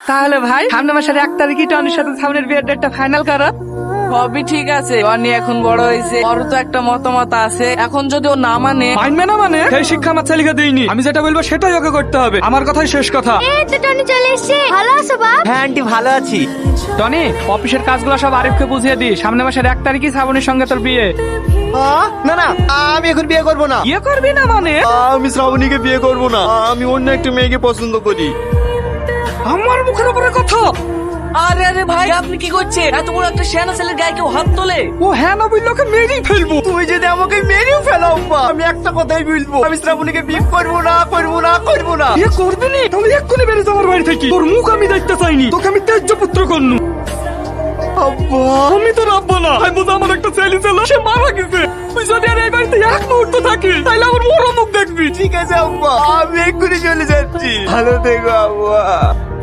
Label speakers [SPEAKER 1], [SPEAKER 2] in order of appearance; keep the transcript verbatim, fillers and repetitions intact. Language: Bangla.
[SPEAKER 1] তাহলে ভাই সামনে মাসের এক তারিখই টনির সাথে সামনের বিয়ের ডেটটা ফাইনাল করো।
[SPEAKER 2] সবই ঠিক আছে, টনি এখন বড় হয়েছে, ওর তো একটা মতামত আছে। এখন যদি ও না মানে,
[SPEAKER 1] মানবে না মানে সেই শিক্ষা আমার ছেলেকে দিইনি, আমি যেটা বলবো সেটাই ওকে করতে হবে, আমার কথাই শেষ কথা।
[SPEAKER 3] এই তো টনি চলে এসেছে। ভালো আছো বাপ?
[SPEAKER 4] হ্যাঁ আন্টি ভালো আছি।
[SPEAKER 1] টনি, অফিসের কাজগুলো সব আরিফকে বুঝিয়ে দি, সামনে মাসের এক তারিখই শ্রাবণীর সঙ্গে তোর বিয়ে।
[SPEAKER 4] আহ, না না আমি এখন বিয়ে করব না।
[SPEAKER 1] বিয়ে করবি না মানে?
[SPEAKER 4] আমি শ্রাবণীকে বিয়ে করব না, আমি অন্য একটা মেয়েকে পছন্দ করি।
[SPEAKER 1] আমার মুখের উপরে কথা।
[SPEAKER 2] আরে আরে ভাই আপনি কি করছেন? এত বড় একটা সেনা ছেলের গায়ে কেউ হাত তোলে?
[SPEAKER 1] ও হ্যাঁ না বললে ওকে মেরেই ফেলবো।
[SPEAKER 4] তুমি যদি আমাকে মেরেও ফেলো আব্বা, আমি একটা কথাই বলবো, আমি শ্রাবণীকে বিয়ে করব না, করব না, করব না।
[SPEAKER 1] বিয়ে করবি নি? তাহলে এক্ষুনি বেরিয়ে যাওয়ার বাড়ি থেকে, তোর মুখ আমি দেখতে চাইনি, তোকে আমি ত্যায্য পুত্র করনু।
[SPEAKER 4] আব্বা
[SPEAKER 1] আমি তো রাখবো না, আমি বুঝি আমার একটা ছেলে ছিল, সে মারা গেছে। তুই যদি আর এই বাড়িতে এক মুহূর্ত থাকিস তাহলে আমার মরো মুখ দেখবি।
[SPEAKER 4] ঠিক আছে আব্বা, আমি এক্ষুনি চলে যাচ্ছি। ভালো থেকো আব্বা।